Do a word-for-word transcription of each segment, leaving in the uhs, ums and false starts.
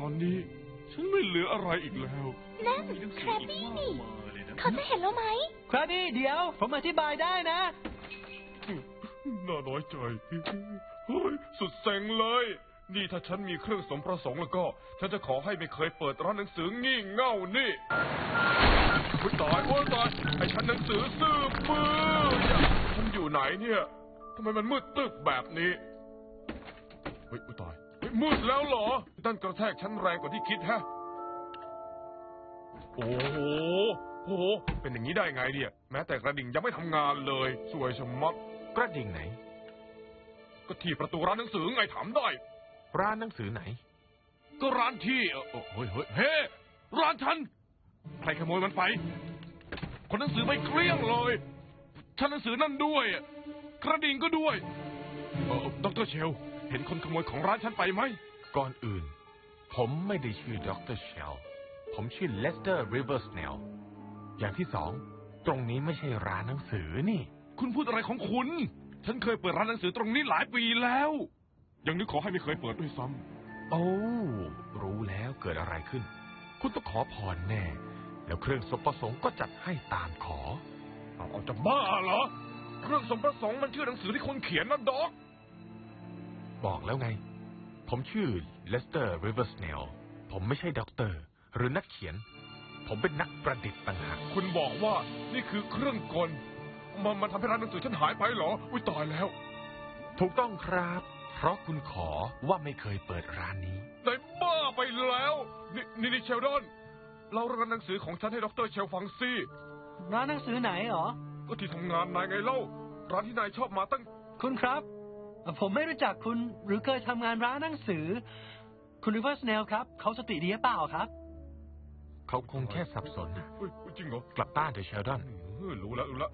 อนนี้ฉันไม่เหลืออะไรอีกแล้วนั่นแครบบี้นี่เขาจะเห็นแล้วไหมแครบบี้เดี๋ยวผมอธิบายได้นะน่าน้อยใจเฮ้ยสุดเซ็งเลยนี่ถ้าฉันมีเครื่องสมประสงค์แล้วก็ฉันจะขอให้ไม่เคยเปิดร้านหนังสืองี่เง่านี่โอ้ยตายโอ้ยตายไอ้ฉันหนังสือซื้อมือฉันอยู่ไหนเนี่ยทำไมมันมืดตึกแบบนี้เฮ้ยตายเฮ้ยมืดแล้วเหรอด้านกระแทกฉันแรงกว่าที่คิดฮะโอ้โหโอ้โหเป็นอย่างนี้ได้ไงเนี่ยแม้แต่กระดิ่งยังไม่ทำงานเลยสวยชะมัดกระดิ่งไหนก็ที่ประตูร้านหนังสือไงถามได้ร้านหนังสือไหนก็ร้านที่เออเฮ้ยเฮ้ยเฮ้ร้านฉันใครขโมยมันไปคนหนังสือไปเกลี้ยงเลยชั้นหนังสือนั่นด้วยกระดิ่งก็ด้วยเออดรเชลเห็นคนขโมยของร้านฉันไปไหมก่อนอื่นผมไม่ได้ชื่อดรเชลผมชื่อเลสเตอร์ริเวอร์สเนลอย่างที่สองตรงนี้ไม่ใช่ร้านหนังสือนี่คุณพูดอะไรของคุณฉันเคยเปิดร้านหนังสือตรงนี้หลายปีแล้วยังนึกขอให้ไม่เคยเปิดด้วยซ้ำโอ้รู้แล้วเกิดอะไรขึ้นคุณต้องขอพรแน่แล้วเครื่องสมประสงค์ก็จัดให้ตามขอเอาจะบ้าเหรอเครื่องสมประสงค์มันชื่อหนังสือที่คนเขียนนะด็อกบอกแล้วไงผมชื่อเลสเตอร์ริเวอร์สเนลผมไม่ใช่ด็อกเตอร์หรือนักเขียนผมเป็นนักประดิษฐ์ต่างหากคุณบอกว่านี่คือเครื่องกลมันมันทำให้ร้านหนังสือฉันหายไปเหรออุ้ยตายแล้วถูกต้องครับเพราะคุณขอว่าไม่เคยเปิดร้านนี้ได้บ้าไปแล้วนี่นี่เชลดอนเราร้านหนังสือของฉันให้ดรเชลฟังสิร้านหนังสือไหนหรอก็ที่ทำงานนายไงเล่าร้านที่นายชอบมาตั้งคุณครับผมไม่รู้จักคุณหรือเคยทำงานร้านหนังสือคุณริเวอร์สเนลครับเขาสติดีหรือเปล่าครับเขาคงแค่สับสนนะจริงเหรอกลับบ้านเถอะเชลดอนรู้แล้วรู้แล้ว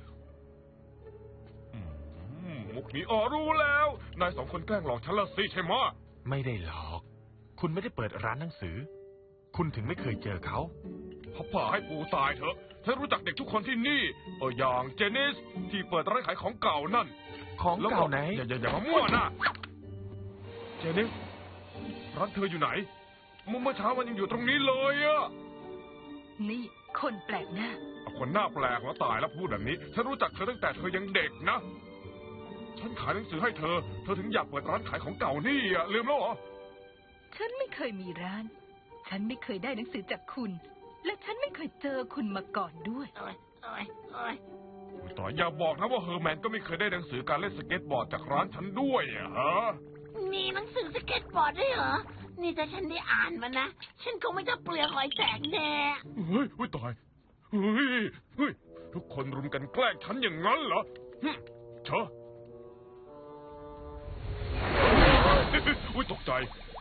มุกนี้อ๋อรู้แล้วนายสองคนแกล้งหลอกฉันละสิใช่ไหมไม่ได้หลอกคุณไม่ได้เปิดร้านหนังสือคุณถึงไม่เคยเจอเขาพ่อป่าให้ปูตายเถอะฉันรู้จักเด็กทุกคนที่นี่เอออย่างเจนิสที่เปิดร้านขายของเก่านั่นของเก่าไหนอย่าอย่าอย่ามามั่วนะเจนิสร้านเธออยู่ไหนเมื่อเช้ามันยังอยู่ตรงนี้เลยอะนี่คนแปลกหน้าคนหน้าแปลกแล้วตายแล้วพูดแบบนี้ฉันรู้จักเธอตั้งแต่เธอยังเด็กนะฉันขายหนังสือให้เธอเธอถึงอยากเปิดร้านขายของเก่านี่อ่ะลืมแล้วเหรอฉันไม่เคยมีร้านฉันไม่เคยได้หนังสือจากคุณและฉันไม่เคยเจอคุณมาก่อนด้วยโอ้ยโอ้ยโอ้ยต่ออย่าบอกนะว่าเฮอร์แมนก็ไม่เคยได้หนังสือการเล่นสเก็ตบอร์ดจากร้านฉันด้วยอะฮะมีหนังสือสเก็ตบอร์ดด้วยเหรอนี่ถ้าฉันได้อ่านมันนะฉันคงไม่จะเปลือกหอยแตกแน่เฮ้ยเฮ้ยตายเฮ้ยเฮ้ยทุกคนรุมกันแกล้งฉันอย่างนั้นเหรอเชอะอุ้ยตกใจ